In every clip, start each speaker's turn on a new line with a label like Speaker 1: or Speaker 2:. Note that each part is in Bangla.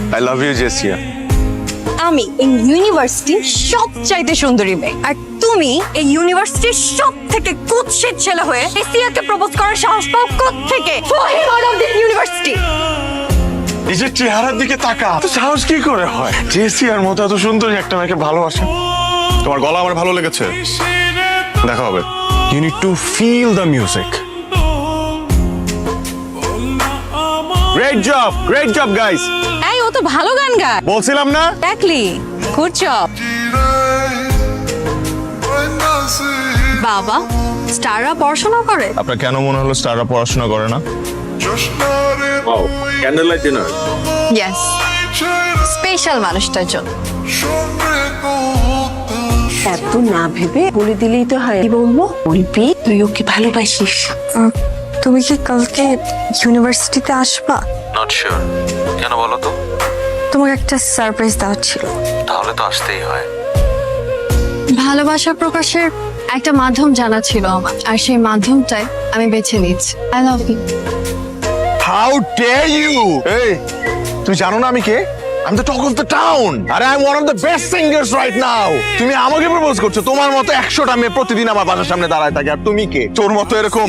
Speaker 1: I love you জেসিয়া।
Speaker 2: আমি এই ইউনিভার্সিটির সবচাইতে সুন্দরী মেয়ে, আর তুমি এই ইউনিভার্সিটির সব থেকে কুৎসিত ছেলে হয়ে এসিয়াকে প্রপোজ করার সাহস পাও কোত্থেকে? Out of this university.
Speaker 1: নিজের চেহারার দিকে তাকা, তো সাহস কি করে হয় জেসিয়ার মতো এত সুন্দর একটা মেয়েকে ভালোবাসে? তোমার গলা আমার ভালো লেগেছে, দেখা হবে। You need to feel the music. Great job guys.
Speaker 2: এই ও তো ভালো গান গায়,
Speaker 1: বলছিলাম না?
Speaker 2: Exactly, good job. বাবা, স্টাররা পড়াশোনা করে?
Speaker 1: আপনার কেন মনে হলো স্টাররা পড়াশোনা করে না? Candle light dinner.
Speaker 2: Yes, special মানুষটার জন্য।
Speaker 3: এত না ভেবে বলে দিলেই তো হয়। কি বলবো? বলবি তুই ওকে ভালোবাসিস।
Speaker 2: তুমি কি কালকে ইউনিভার্সিটিতে আসবা?
Speaker 4: নট শিওর, কেন বলো তো?
Speaker 2: তোমাকে একটা সারপ্রাইজ দেওয়ার ছিল।
Speaker 4: তাহলে তো আসতেই হয়।
Speaker 2: ভালোবাসা প্রকাশের একটা মাধ্যম জানা ছিল আমার, আর সেই মাধ্যমটাই আমি বেছে নিচ্ছি। I love you.
Speaker 1: How dare you! এই, তুমি জানো না আমি কে? আমি the talk of the town, আর I am one of the best singers right now. তুমি আমাকে প্রপোজ করছো? তোমার মতো 100টা মেয়ে প্রতিদিন আমার বাসার সামনে দাঁড়ায় থাকে, আর তুমি কে? তোর মতো এরকম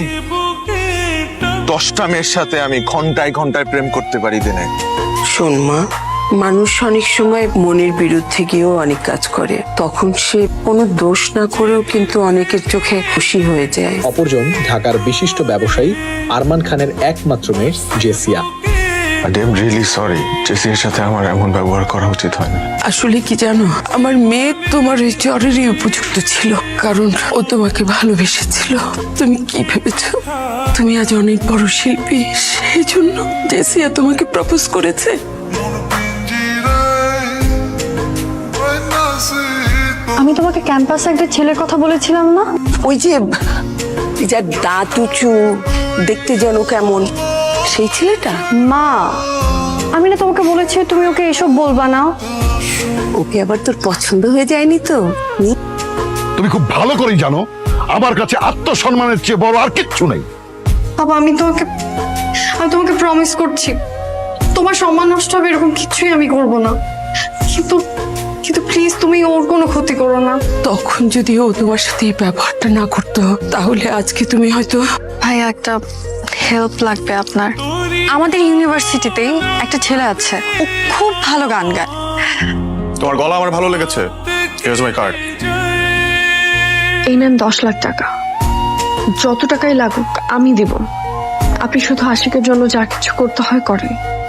Speaker 1: 10টা মেয়ের সাথে আমি ঘন্টায় ঘন্টায় প্রেম করতে পারি দিনে।
Speaker 3: শোন মা, মানুষ অনেক সময় মনের বিরুদ্ধে গিয়েও অনেক কাজ করে, তখন সে কোনো দোষ না করেও কিন্তু অনেকের চোখে খুশি হয়ে যায়।
Speaker 5: অপরজন ঢাকার বিশিষ্ট ব্যবসায়ী আরমান খানের একমাত্র মেয়ে Jessia.
Speaker 1: I am really sorry, জেসিয়ার সাথে আমার এমন ব্যবহার করা উচিত হয়নি।
Speaker 3: আসলে কি জানো, আমার মেয়ে তোমার এই চরেরই উপযুক্ত ছিল, কারণ ও তোমাকে ভালোবেসেছিল। তুমি কি ভেবেছো তুমি আজ অনেক বড় শিল্পী, সেই জন্য জেসিয়া তোমাকে প্রপোজ করেছে?
Speaker 2: আমি তোমাকে ক্যাম্পাসে একটা ছেলের কথা বলেছিলাম না?
Speaker 3: ওই যে যার দাঁত উঁচু, দেখতে যেন কেমন, সেই ছেলেটা?
Speaker 2: মা, আমি না তোমাকে বলেছি তুমি ওকে এসব বলবা না।
Speaker 3: ওকে আবার তোর পছন্দ হয়ে যায়নি তো?
Speaker 6: তুমি খুব ভালো করেই জানো আমার কাছে আত্মসম্মানের চেয়ে বড় আর কিচ্ছু নেই।
Speaker 2: বাবা, আমি তোমাকে প্রমিস করছি, তোমার সম্মান নষ্ট হবে এরকম কিছুই আমি করব না। কিন্তু কিন্তু প্লিজ তুমি ওর কোনো ক্ষতি করো না।
Speaker 3: তখন যদি ও তোমার সাথে এই ব্যবহারটা না করতো, তাহলে আজকে তুমি হয়তো।
Speaker 2: ভাইয়া, একটা হেল্প লাগবে আপনার। আমাদের ইউনিভার্সিটিতেই একটা ছেলে আছে, ও খুব ভালো গান গায়।
Speaker 1: তোমার গলা আমার ভালো লেগেছে, হিয়ারস মাই কার্ড।
Speaker 2: এই নেন 10 লাখ টাকা, যত টাকাই লাগুক আমি দিব। আপনি শুধু আশিকের জন্য যা কিছু করতে হয় করেন।